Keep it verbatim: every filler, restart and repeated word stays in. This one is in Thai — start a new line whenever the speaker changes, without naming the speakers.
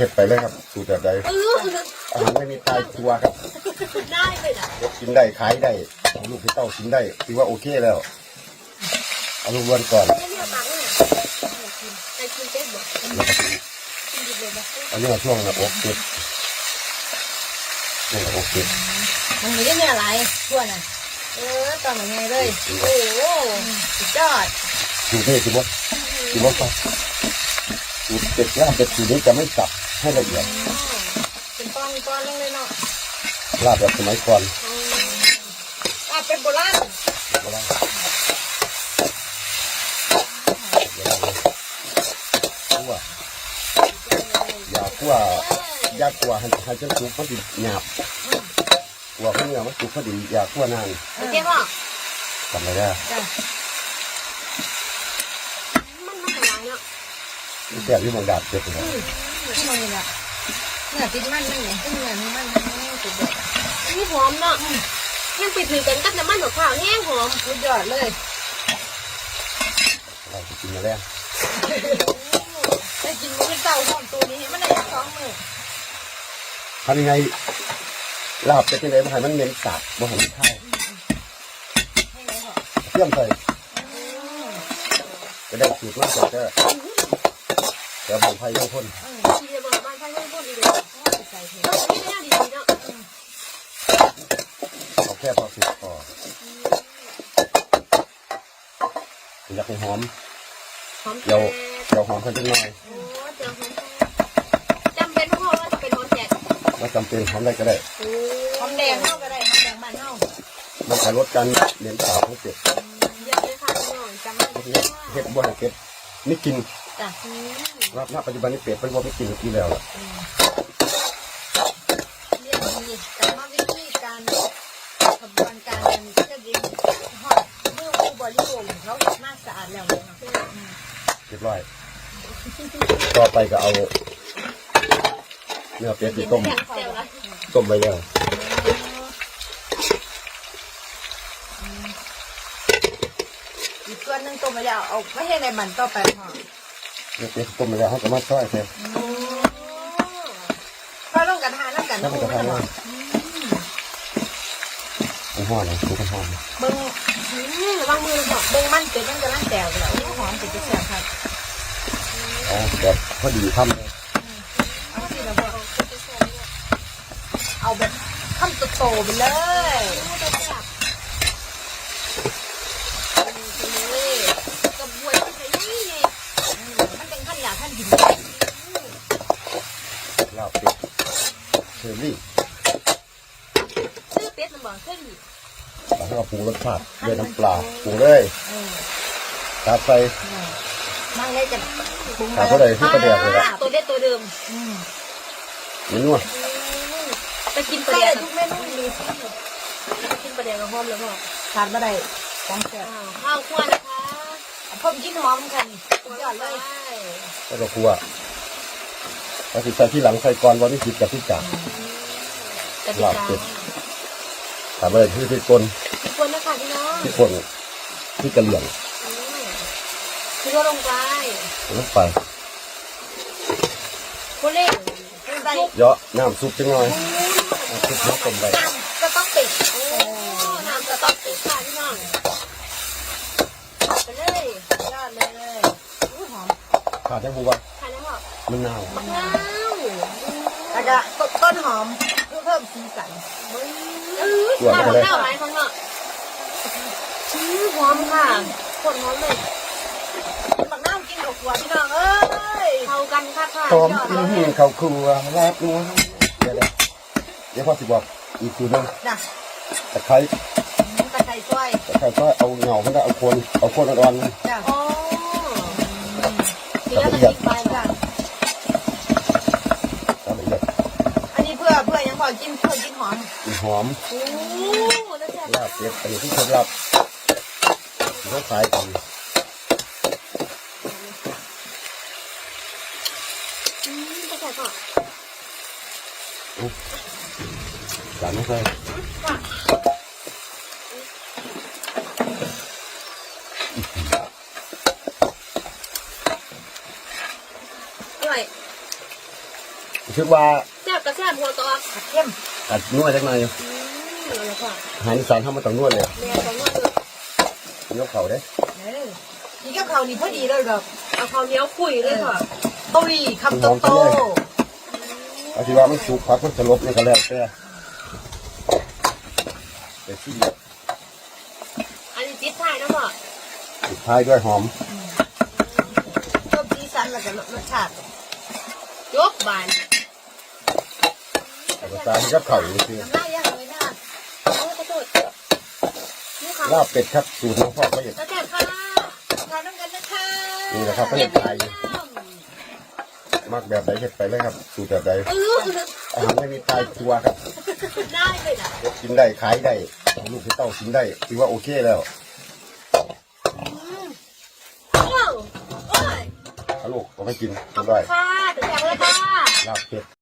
ผ็ดไปเลยครับสูตรแบบใดอาหารไม่มีตายตัวครับ
ได้เลยนะ
กินได้ขายได้ลูกพี่เต้ากินได้ถือว่าโอเคแล้วเอาลูกวนก่อนอันนี้ช่วงระบบเก็บช่วงระบบเก็บ
มันไม่ได้มีอะไรช่วงน่ะเออตอนไหนเลยโอ้โหสุดยอด
สูตรนี้ถือว่าถือว่าสูตรเก็บลาบเป็ดสูตรนี้จะไม่สับให้ละเอียด
เป็นตอนตอนลงเลยเนาะ
ลาบแบบสมัยก่อน
ลาบเป็นโบราณ
โบราณคั่วอยากคั่วยากกว่าให้ให้เจ้าสุกมันติดหยาบกลัวเขาเนื้อมันสุกพอดีอยากคั่วนาน
โอเคป่ะ
ทำอะไรได้
มันมันอะไรเนาะ
แซ่บที่มังดาบเจ็บเลย
ที่มันเนี่ยเนื้อติดมันนั่นไงที่เนื้อมันมันมันสุดยอดนี่หอมเนาะยังไปถือกันกับน้ำมันหัวข้าวแห้งหอมสุดยอดเลย
เราจะกินมาแล้ว
ได้กินมื้อเต่าหอมตัวนี้มันได้สองมื้อ
ทำยังไงลาบจะเป็นไงบ้างมันเน้นสาบบ่เห็นข้าวเชื่อมใส่จะได้สูตรมากกว่าก็แต่บางไผ่ยังพ่น
ทีเดียวบางไผ่ยังพ่นดีเลยต้องไม่ได้ดีเนาะ
เอาแค่พอสุกพออยากให้หอมเดี๋ยวเดี๋ยวหอมขึ้นจังหน่อย
จำเป็นเพราะว่าจะเป็นหอมแดง
ว่าจำเป็นหอมได้ก็ได้
หอมแดงเท่าก็ได้หอมแดงบ้านเท่า
มันจะลดการเลี้ยงสาวของเป็ด
เยอะเลยค่ะพี่น้องจำไม่ได้
เห็ดบ่ให้เป็ดไม่กินรับณปัจจุบันนี้เป็ดเป็นว่าไม่กินกินแล้วล่ะ
เรียนดีแต่ว่าวิธีการกระบวนการมันก็จะดีหอมเมื่อผู้บริโภคเขาเห็นมากสะอาดแล้วเลย
เรียบร้อยต่อไปก็เอาเนื้อเป็ดที่ต้มต้มไปแล้ว
อีกส่วนนึงต้มไปแล้วเอาไม่ให้ในมันต่อไปหอม
เนื้อเป็ดต้มไปแล้วเขาก็มาซอยใช่
ก็ต้องกระทานแล้วกัน
ต้องกระทานแล้วมันห่อเลยดูกันห่อ
เบิ้งระวังมือหอมเบิ้งมันเป็ดมันจะร่างแตกแล้วหอมเป็ดจะแสบครับ
อ๋อแบบพอดีทำเลย
เอาสิแล้วพอเอาแบบทำโตๆไปเลยกระบวนการใช้นี่ไงมันเป็นขั้นหยาบขั้นหิน
ลาบเป็ดเชอรี่
ชื่อเป็ดมันบอกเชอรี่
แล้วก็ปรุงรสชาติด้วยน้ำปลาปรุงเลยตาใส่
มันเลยจะ
ปรุงตาเท่าไรที่ประเดี๋ยวเลย
ตัวเด็ดตัวเดิม
ไม่นัว
ไปกินประเดี๋ยวทุกเมนูมีกินประเดี๋ยวกับหอมแล้วพ่อทานมาได้ของแซ่บข้าวคั่วนะคะเพิ่มกินหอมกันสุดยอดเลย
แล้วก็คั่วแล้วสิใส่ที่หลังใส่ก่อนวันนี้สิบกับที่จ่าลาบเป็ดถามอะไรที่ที่กล
ที่กลนะคะพี่น้อง
ที่คนที่กระเหลี่ยง
คือว่าลงไป
ลงไป
คนเล่น
เยอะน้ำซุปจังหน่อยซุปน้ำต้มไป
น้ำก็ต้องปิดน้ำก็ต้องปิดค่ะพี่น้องไปเลยยอดเลยอุ้ยหอม
ขาดได้บัว
ขาดได้หอม
มะนาว
มะนาวแล้วก็ต้นหอมเพื่อเพิ่มสีสัน
ตัวมะ
นาวไหมข้างนอกชื่อหอมค่ะขนหอมเลยมะนาวกินกับหัวพี่น้องเอ้ยเข้ากันค่ะค่ะ
หอมกินข้าวครัวแลบนัวเดี๋ยวเดี๋ยวพ่อสิบอกอีกทีนึงตะไคร้
ตะไคร้ซอย
ตะไคร้ซอยเอาเหงามันก็เอาโคนเอาโคนอ่อน
ๆจ้ะอ๋อ
ละเอียด
ไปจ้ะ
ละเอียด
อันนี้เพื่อเพื่อยังพอกินเพื่อกินหอม
หอม
โอ้
ลาบเป็ดอันนี้ที่เคล็ดลับเขาขายกันจานไม่ใช่
อร่อย
คิดว่า
แซ่บกับแซ่บหัวตอกเข้ม
อัดนวดจังหน่อย
อืมแล้วก็
อาหารอีสานทำมาต้องนวดเลย
แม่ต้องนวดเลย
ยกเข่าได้
เออนี่กับเขาวนี่พอดีเลยแบบเอาข้าวเหนียวคุยเลยค่ะตุยคำโตโต
อาชีว่ามันสุกพักมันจะลบนี่ก็แล้วแต่แต่ที่
อันนี้ติดท้ายนะพ่อ
สุดท้ายด้วยหอม
เพิ่มสีสันแล้วก็รสชาติยกบาน
แต่ตาที่กับเข่าอยู่คือ
น้ำลายยังเลยนะโอ้ขอโทษนี่ค่ะ
ลาบเป็ดครับสูตรของพ่อเขาเอง
แล้วแซ่บค่ะทานน้ำกันนะคะ
นี่นะครับเขาเห็นไทยมากแบบไหนเห็ดไปเลยครับ สูตรแบบไหน
เออ
อาหารไม่มีตายตัวครับ
ได้เลยนะ
กินได้ขายได้ลูกที่เต้ากินได้ถือว่าโอเคแล้ว
ว้าวโอ้ย
เอาลูกเอาไปกินกินได้
ค่ะถึงแซ่บเลยค่ะ
ลาบเป็ด